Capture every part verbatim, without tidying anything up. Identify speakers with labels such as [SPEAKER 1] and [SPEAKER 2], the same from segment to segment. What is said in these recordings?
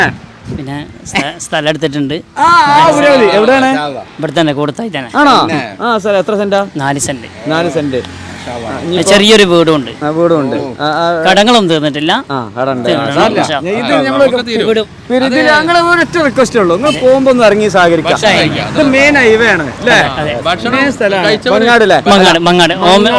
[SPEAKER 1] പിന്നെ സ്ഥലം എടുത്തിട്ടുണ്ട്.
[SPEAKER 2] എവിടെയാണ്?
[SPEAKER 1] ഇവിടെ തന്നെ കൂടത്തായി തന്നെ.
[SPEAKER 2] ആണോ? ആ സ്ഥലം എത്ര സെന്റാ?
[SPEAKER 1] നാല് സെന്റ്.
[SPEAKER 2] നാല് സെന്റ്.
[SPEAKER 1] ചെറിയൊരു വീടുണ്ട്.
[SPEAKER 2] വീടുണ്ട്.
[SPEAKER 1] കടങ്ങളും തീർന്നിട്ടില്ല.
[SPEAKER 2] ഒറ്റ റിക്വസ്റ്റേ ഉള്ളൂ, നിങ്ങൾ പോകുമ്പോ ഒന്ന് ഇറങ്ങി സഹകരിക്കാം. ഇത് മെയിൻ ഹൈവേ ആണ് അല്ലേ?
[SPEAKER 1] മങ്ങാട്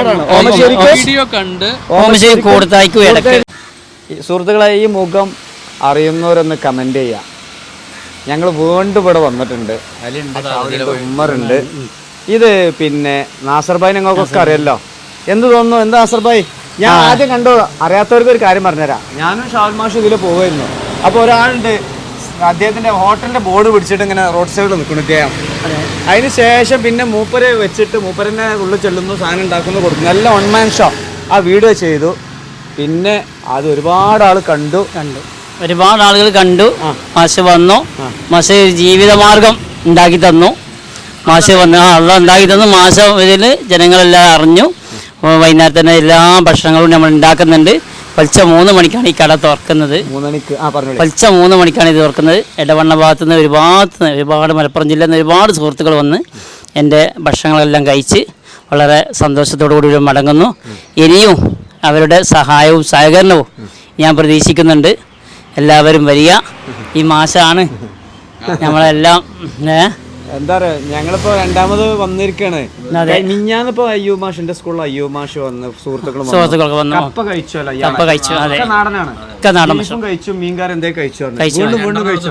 [SPEAKER 2] സുഹൃത്തുക്കളെ, ഈ മുഖം അറിയുന്നവരൊന്ന് കമന്റ് ചെയ്യാം. ഞങ്ങൾ വീണ്ടും ഇവിടെ വന്നിട്ടുണ്ട്. ഉമ്മറുണ്ട്. ഇത് പിന്നെ നാസർ ഭായി നിങ്ങൾക്കൊക്കെ അറിയല്ലോ. എന്ത് തോന്നുന്നു? എന്താ നാസർ ഭായി? ഞാൻ ആദ്യം കണ്ടോ, അറിയാത്തവർക്ക് ഒരു കാര്യം പറഞ്ഞുതരാം. ഞാനും ഷാൽ മാഷും ഇതിൽ പോകുമായിരുന്നു. അപ്പോൾ ഒരാളുണ്ട്, അദ്ദേഹത്തിന്റെ ഹോട്ടലിന്റെ ബോർഡ് പിടിച്ചിട്ട് ഇങ്ങനെ റോഡ് സൈഡിൽ നിൽക്കുന്നു ഇദ്ദേഹം. അതിന് ശേഷം പിന്നെ മൂപ്പരെ വെച്ചിട്ട് മൂപ്പരന്റെ ഉള്ളിൽ ചെല്ലുന്നു, സാധനം ഉണ്ടാക്കുന്നു, കൊടുക്കുന്നു. നല്ല വൺ മാൻ ഷോ ആ വീഡിയോ ചെയ്തു. പിന്നെ അത് ഒരുപാട് ആൾ കണ്ടു കണ്ടു
[SPEAKER 1] ഒരുപാട് ആളുകൾ കണ്ടു. മാഷ് വന്നു, മാഷ് ജീവിതമാർഗം ഉണ്ടാക്കി തന്നു. മാഷ് വന്ന് ആ അള്ള ഉണ്ടാക്കി തന്നു. മാഷ് ഇതിൽ ജനങ്ങളെല്ലാം അറിഞ്ഞു. വൈകുന്നേരം തന്നെ എല്ലാ ഭക്ഷണങ്ങളും നമ്മൾ ഉണ്ടാക്കുന്നുണ്ട്. പലിച്ച മൂന്ന് മണിക്കാണ് ഈ കട തുറക്കുന്നത്. പലിച്ച മൂന്ന് മണിക്കാണ് ഇത് തുറക്കുന്നത്. ഇടവണ്ണ ഭാഗത്തു നിന്ന് ഒരുപാട് ഒരുപാട് മലപ്പുറം ജില്ലയിൽ നിന്ന് ഒരുപാട് സുഹൃത്തുക്കൾ വന്ന് എൻ്റെ ഭക്ഷണങ്ങളെല്ലാം കഴിച്ച് വളരെ സന്തോഷത്തോടു കൂടി മടങ്ങുന്നു. ഇനിയും അവരുടെ സഹായവും സഹകരണവും ഞാൻ പ്രതീക്ഷിക്കുന്നുണ്ട്. എല്ലാവരും വരിക. ഈ മാസമാണ് നമ്മളെല്ലാം
[SPEAKER 2] എന്താ പറയാ, ഞങ്ങളിപ്പോ രണ്ടാമത് വന്നിരിക്കാണ്. മിഞ്ഞാന്നിപ്പോ അയ്യോ മാഷിന്റെ സ്കൂളിൽ അയ്യോ മാഷ് വന്ന് സുഹൃത്തുക്കളും
[SPEAKER 1] സുഹൃത്തുക്കളൊക്കെ വന്നു.
[SPEAKER 2] കപ്പ കഴിച്ചല്ലോ.
[SPEAKER 1] കപ്പ കഴിച്ചു. അതെ,
[SPEAKER 2] നാടനാണ്.
[SPEAKER 1] നാടൻ
[SPEAKER 2] കഴിച്ചു. മീൻകാരൻ എന്തേ കഴിച്ചു?
[SPEAKER 1] വീണ്ടും വീണ്ടും കഴിച്ചു.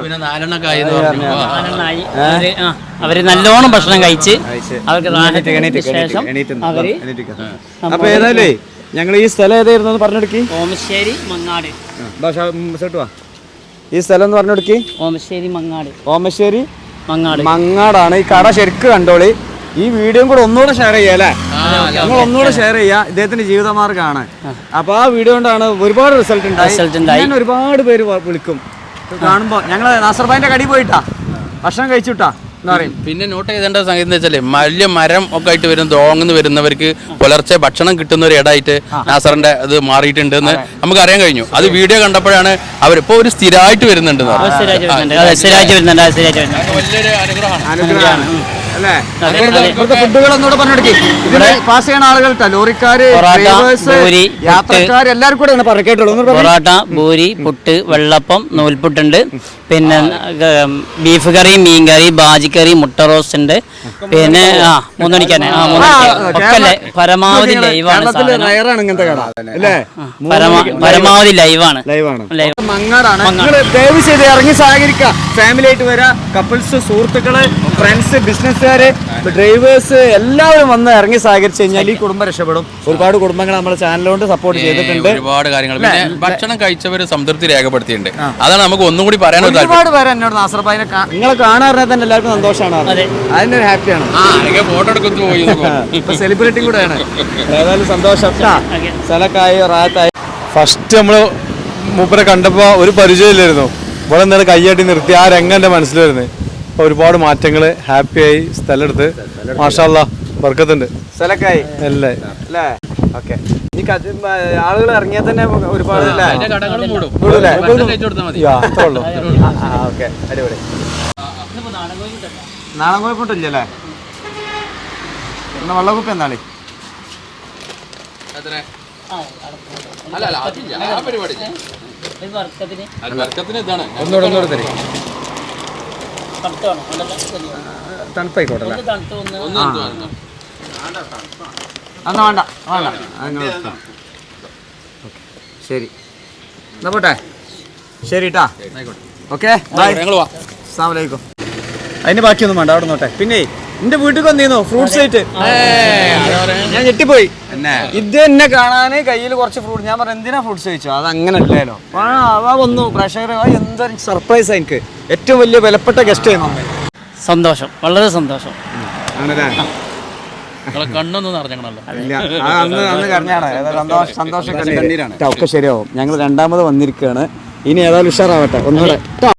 [SPEAKER 1] അവര് നല്ലോണം ഭക്ഷണം കഴിച്ച് അവർക്ക് ശേഷം അവര്
[SPEAKER 2] അപ്പൊ ഏതായാലേ ഞങ്ങൾ ഈ സ്ഥലം ഏതായിരുന്നു പറഞ്ഞെടുക്കി?
[SPEAKER 1] ഓമശ്ശേരി മങ്ങാട്.
[SPEAKER 2] ഈ സ്ഥലം എന്ന് പറഞ്ഞെടുക്കി?
[SPEAKER 1] ഓമശ്ശേരി മങ്ങാട്.
[SPEAKER 2] ഓമശ്ശേരി
[SPEAKER 1] മങ്ങാട്
[SPEAKER 2] മങ്ങാടാണ്. ഈ കട ശരിക്ക് കണ്ടോളി. ഈ വീഡിയോ കൂടെ ഒന്നുകൂടെ ഷെയർ ചെയ്യാം അല്ലേ? നമ്മൾ ഒന്നുകൂടെ ഷെയർ ചെയ്യാം. ഇദ്ദേഹത്തിന്റെ ജീവിതമാർഗ്ഗമാണ്. അപ്പൊ ആ വീഡിയോ കൊണ്ടാണ് ഒരുപാട് റിസൾട്ട് ഉണ്ടായി. ഒരുപാട് പേര് വിളിക്കും കാണുമ്പോ. ഞങ്ങള് നാസർ ഭായിന്റെ കടി പോയിട്ടാ ഭക്ഷണം കഴിച്ചുട്ടാ എന്താ പറയും.
[SPEAKER 3] പിന്നെ നോട്ട് ചെയ്തേണ്ട സംഗതി എന്ന് വെച്ചാല് വലിയ മരം ഒക്കെ ആയിട്ട് വരും തോങ്ങുന്ന് വരുന്നവർക്ക് പുലർച്ചെ ഭക്ഷണം കിട്ടുന്ന ഒരു ഇടമായിട്ട് നാസറിന്റെ ഇത് മാറിയിട്ടുണ്ട് എന്ന് നമുക്ക് അറിയാൻ കഴിഞ്ഞു. അത് വീഡിയോ കണ്ടപ്പോഴാണ് അവരിപ്പോ ഒരു സ്ഥിരമായിട്ട് വരുന്നുണ്ട്.
[SPEAKER 2] വലിയൊരു അനുഗ്രഹമാണ് അല്ലേ? ഫുഡുകൾ ഒന്നുകൂടെ പറഞ്ഞെടുക്കി. ഇതിന് പാസ് ചെയ്യുന്ന ആളുകൾ ലോറിക്കാര്, യാത്രക്കാർ എല്ലാവരും കൂടെ പറഞ്ഞു കേട്ടോളൂ.
[SPEAKER 1] പൊറോട്ട, പൂരി, പുട്ട്, വെള്ളപ്പം, നൂൽപുട്ടുണ്ട്. പിന്നെ ബീഫ് കറി, മീൻ കറി, ബാജിക്കറി, മുട്ട റോസ്റ്റ് ഉണ്ട്. പിന്നെ ആ മൂന്നണിക്കാനെ പരമാവധി ലൈവാണ്. പരമാവധി ലൈവാണ്.
[SPEAKER 2] മങ്ങാടാണ്. ദയവ് ചെയ്ത് ഇറങ്ങി സഹകരിക്കുക. ഫാമിലി ആയിട്ട് വരാം. കപ്പിൾസ്, സുഹൃത്തുക്കള്, ഫ്രണ്ട്സ്, ബിസിനസ്സുകാര്, ഡ്രൈവേഴ്സ് എല്ലാവരും വന്ന് ഇറങ്ങി സഹകരിച്ചു കഴിഞ്ഞാൽ ഈ കുടുംബം രക്ഷപ്പെടും. ഒരുപാട് കുടുംബങ്ങൾ നമ്മുടെ ചാനലുകൊണ്ട് സപ്പോർട്ട് ചെയ്തിട്ടുണ്ട്.
[SPEAKER 3] ഒരുപാട് കാര്യങ്ങൾ. പിന്നെ ഭക്ഷണം കഴിച്ചവര് സംതൃപ്തി രേഖപ്പെടുത്തിയിട്ടുണ്ട്. അതാണ് നമുക്ക് ഒന്നും കൂടി പറയാൻ.
[SPEAKER 2] ഒരുപാട് പേര് എന്നോട് നാസർ ഭായിനെ നിങ്ങളെ കാണാറിനെ തന്നെ എല്ലാവർക്കും സന്തോഷമാണ്. അതിന്റെ ഒരു ഹാപ്പിയാണ്.
[SPEAKER 3] ഫോട്ടോ എടുക്കുന്നു പോയി.
[SPEAKER 2] ഇപ്പൊ സെലിബ്രിറ്റി കൂടെയാണ്. ഏതായാലും സന്തോഷം. സ്ഥലക്കായി റാത്തായി. ഫസ്റ്റ് നമ്മള് മൂപ്പരെ കണ്ടപ്പോ ഒരു പരിചയമില്ലായിരുന്നു. ഇവിടെ എന്താണ് കയ്യാട്ടി നിർത്തി ആ രംഗം എന്റെ മനസ്സിൽ വരുന്നത്. അപ്പൊ ഒരുപാട് മാറ്റങ്ങള്, ഹാപ്പിയായി. സ്ഥലം എടുത്ത് മാഷാ അല്ലാഹ് ബർക്കത്തുണ്ട്. സ്ഥലക്കായി അല്ലേ അല്ലേ? ഓക്കെ. ഈ ആളുകൾ ഇറങ്ങിയാൽ തന്നെ ഒരുപാട് അടിപൊളി. നാളെ കുഴപ്പമില്ലല്ലേ? പിന്നെ വെള്ളക്കുപ്പി എന്നാളി ഒന്നുകൂടെ ഒന്നുകൂടെ തരും. തണുപ്പായിക്കോട്ടല്ലേ? എന്നാ വേണ്ട വേണ്ട. ശരി എന്നാ പോട്ടെ. ശരി ട്ടാ. Okay bye. അസ്സലാമു അലൈക്കും. അതിന് ബാക്കിയൊന്നും വേണ്ട, അവിടെ നോട്ടെ. പിന്നെ എന്റെ വീട്ടിൽ വന്നിരുന്നു ഫ്രൂട്ട്സ് ആയിട്ട്. ഞാൻ ഞെട്ടിപ്പോയി. ഇത് എന്നെ കാണാന് കയ്യിൽ കുറച്ച് ഫ്രൂട്ട്. ഞാൻ പറഞ്ഞു എന്തിനാ ഫ്രൂട്ട്സ് കഴിച്ചു? അത് അങ്ങനെ അല്ലല്ലോ. ആ വന്നു പ്രേക്ഷകർ. എന്തൊരു സർപ്രൈസ്. എനിക്ക് ഏറ്റവും വലിയ വിലപ്പെട്ട ഗസ്റ്റ് ആയിരുന്നു.
[SPEAKER 1] സന്തോഷം, വളരെ സന്തോഷം.
[SPEAKER 2] ആണല്ലേ?
[SPEAKER 3] കണ്ണൊന്നും അറിഞ്ഞാണല്ലോ.
[SPEAKER 2] അന്ന് അന്ന് കരഞ്ഞാണ്. സന്തോഷം ഒക്കെ ശരിയാവും. ഞങ്ങൾ രണ്ടാമത് വന്നിരിക്കുകയാണ്. ഇനി ഏതായാലും ഉഷാറാവട്ടെ ഒന്നുകൂടെ.